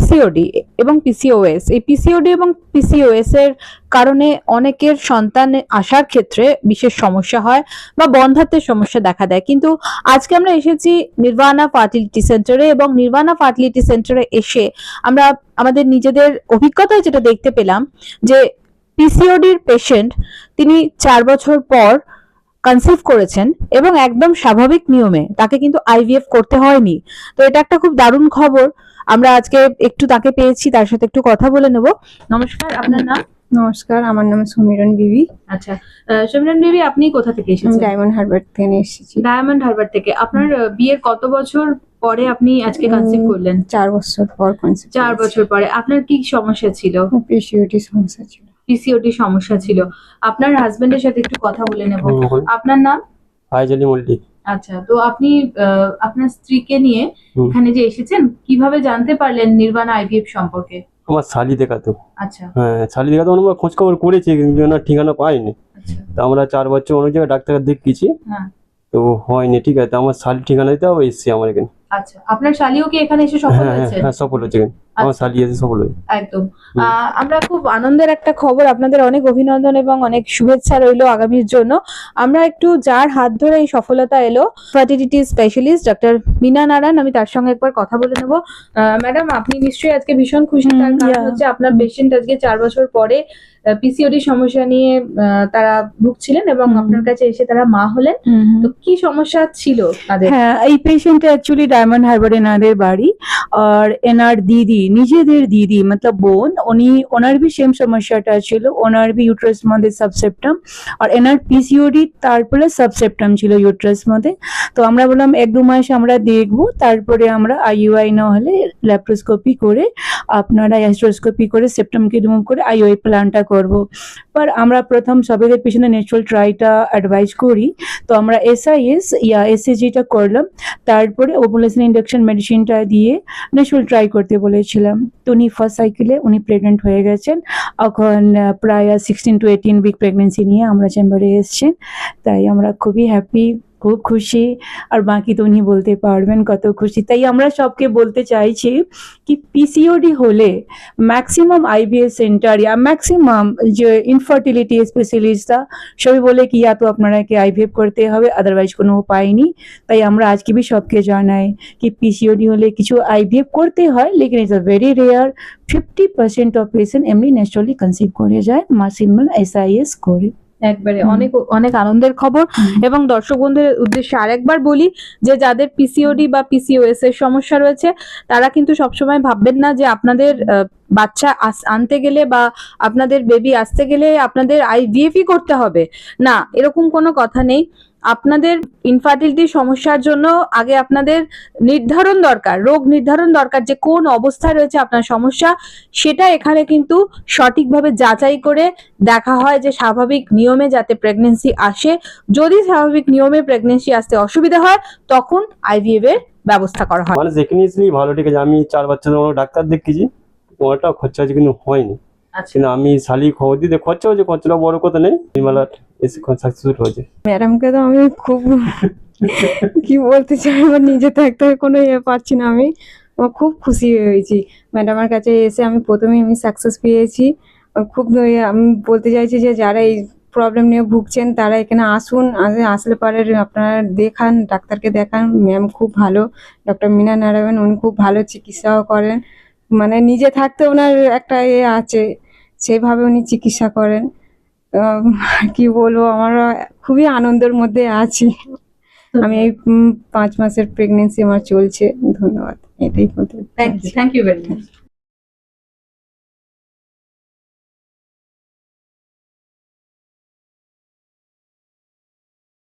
PCOD এবং PCOS, এই PCOD এবং পিসিওএস এর কারণে অনেকের সন্তান আসার ক্ষেত্রে বিশেষ সমস্যা হয় বা বন্ধ্যাত্বের সমস্যা দেখা দেয়। কিন্তু আজকে আমরা এসেছি নির্বাণা ফার্টিলিটি সেন্টারে, এবং নির্বাণা ফার্টিলিটি সেন্টারে এসে আমরা আমাদের নিজেদের অভিজ্ঞতায় যেটা দেখতে পেলাম যে পিসিওডির পেশেন্ট তিনি 4 বছর পর কনসিভ করেছেন এবং একদম স্বাভাবিক নিয়মে, তাকে কিন্তু আইভিএফ করতে হয়নি। তো এটা একটা খুব দারুণ খবর। আমরা আজকে একটু তাকে পেয়েছি, তার সাথে একটু কথা বলে নেব। নমস্কার, আপনার নাম? নমস্কার, আমার নাম সমীরণ বিবি। আচ্ছা, সমীরণ বিবি, আপনি কোথা থেকে এসেছেন? ডায়মন্ড হারবার থেকে এসেছি। ডায়মন্ড হারবার থেকে। আপনার বিয়ের কত বছর পরে আপনি আজকে কনসিভ করলেন? 4 বছর পর কনসিভ। 4 বছর পরে। আপনার কি সমস্যা ছিল? পিসিওডি সমস্যা ছিল। পিসিওডি সমস্যা ছিল। আপনার হাজবেন্ডের সাথে একটু কথা বলে নেব। আপনার নাম? ফাইজালি মল্লিক। আচ্ছা, তো আপনি আপনার স্ত্রীকে নিয়ে এখানে যে এসেছেন, কিভাবে জানতে পারলেন নির্বাণা আইভিএফ সম্পর্কে? আমার শালি দেখাতো। আচ্ছা। হ্যাঁ, শালি দেখাতো, আমরা খোঁজ খবর করেছি কিন্তু ওনার ঠিকানা পাইনি। আচ্ছা। তো আমরা 4 বছর অনেক জায়গায় ডাক্তার দেখিয়েছি, হ্যাঁ, তো হয়নি। ঠিক আছে, আমার শালি ঠিকানা দিতে হবে, এসছি আমার এখানে। আচ্ছা, আপনার শালিও কি এখানে এসে সফল হ্যাঁ হয়েছে? হ্যাঁ, সফল হয়েছে এখানে। আমার শালি এসে সফল হয়েছে একদম। আমরা খুব আনন্দের একটা খবর, আপনাদের অনেক অভিনন্দন এবং অনেক শুভেচ্ছা রইলো আগামীর জন্য। আমরা একটু যার হাত ধরে এই সফলতা এলো, fertility specialist doctor Meena Narayan, আমি তার সঙ্গে একবার কথা বলে নেব। ম্যাডাম, আপনি নিশ্চয়ই আজকে ভীষণ খুশি, তার কারণ হচ্ছে আপনার পেশেন্ট আজকে 4 বছর পরে পিসিওডি সমস্যা নিয়ে তারা ভুগছিলেন এবং আপনার কাছে এসে তারা মা হলেন। তো কি সমস্যা ছিল তাদের? হ্যাঁ, এই পেশেন্ট অ্যাকচুয়ালি ডায়মন্ড হারবার এনাদের বাড়ি, আর এনার দিদি, নিজেদের দিদি মতলব বোন, ওনার भी সেম সমস্যাটা ছিল। ওনার भी ইউট্রাস মধ্যে সাবসেপ্টাম, আর এনার পিসিওডি তারপরে সাবসেপ্টাম ছিল ইউট্রাস মধ্যে। তো আমরা বললাম 1-2 মাস আমরা দেখবো, তারপরে আমরা আইইউআই না হলে ল্যাপ্রোস্কোপি করে, আপনারা অ্যাস্ট্রোস্কোপি করে সেপ্টামকে রিমুভ করে আইইউআই প্ল্যানটা করব। पर আমরা প্রথম সবেদের পিছনে ন্যাচারাল ট্রাইটা অ্যাডভাইস করি। তো আমরা এসআইএস ইয়া এসএজিটা করলাম, তারপরে ওভুলেশন ইন্ডাকশন মেডিসিনটা দিয়ে ন্যাচারাল ট্রাই করতে বলেছিলাম। তো উনি ফার্স্ট সাইকেলে উনি প্রেগনেন্ট হয়ে গেছেন। এখন প্রায় 16 to 18 উইক প্রেগনেন্সি নিয়ে আমরা চেম্বারে এসেছেন। তাই আমরা খুবই হ্যাপি, খুব খুশি। আর বাকি তো উনি বলতে পারবেন কত খুশি। তাই আমরা সবকে বলতে চাইছি কি পিসিওডি হলে ম্যাক্সিমাম আইভিএফ সেন্টার या ম্যাক্সিমাম যে ইনফার্টিলিটি স্পেশালিস্টরা সবাই বলে কি या तो আপনারাকে আইভিএফ করতে হবে, আদারওয়াইজ কোনো উপায় নেই। তাই আমরা আজকে भी সবকে জানাই কি পিসিওডি হলে কিছু আইভিএফ করতে হয়, লেকিন it's a very rare. 50% of patient এমনি ন্যাচারালি কনসিভ করে যায় মাসিমাল এসআইএস করে। একবারে অনেক অনেক আনন্দের খবর। এবং দর্শক বন্ধুদের উদ্দেশ্যে আরেকবার বলি যে যাদের পিসিওডি বা পিসিওএস এর সমস্যা রয়েছে, তারা কিন্তু সবসময় ভাববেন না যে আপনাদের বাচ্চা আনতে গেলে বা আপনাদের বেবি আসতে গেলে আপনাদের আইভিএফই করতে হবে। না, এরকম কোনো কথা নেই। আপনাদের ইনফার্টিলিটি সমস্যার জন্য আগে আপনাদের নির্ধারণ দরকার, রোগ নির্ধারণ দরকার যে কোন অবস্থায় রয়েছে আপনার সমস্যা। সেটা এখানে কিন্তু সঠিকভাবে যাচাই করে দেখা হয় যে স্বাভাবিক নিয়মে যাতে প্রেগনেন্সি আসে। যদি স্বাভাবিক নিয়মে প্রেগনেন্সি আসতে অসুবিধা হয়, তখন আইভিএফ এর ব্যবস্থা করা হয়। মানে যেখানে এসেছি ভালো, ঠিক আছে। আমি 4 বছর ডাক্তার দেখিয়েছি, ওটা খরচা আছে কিন্তু হয়নি। আচ্ছা, কিন্তু আমি শালি খবর দিতে খরচা হয়েছে, খরচাটা বড় কথা নেই, নির্মলা এসে সাকসেসফুল হয়েছে। ম্যাডামকে তো আমি খুব কি বলতে চাই, আমার নিজে থাকতে কোনো পারছি না। আমি খুব খুশি হয়েছি ম্যাডামের কাছে এসে। আমি প্রথমেই সাকসেস পেয়েছি। খুব আমি বলতে চাইছি যে যারা এই প্রবলেম নিয়ে ভুগছেন তারা এখানে আসুন, আসলে পরে আপনারা দেখান, ডাক্তারকে দেখান। ম্যাম খুব ভালো, ডক্টর মীনা নারায়ণ, উনি খুব ভালো চিকিৎসাও করেন। মানে নিজে থাকতে ওনার একটা আছে, সেভাবে উনি চিকিৎসা করেন। কি বলবো, আমরা খুবই আনন্দের মধ্যে আছি। আমি এই 5 মাসের প্রেগনেন্সি আমার চলছে। ধন্যবাদ, এটাই বলতে। Thank you very much.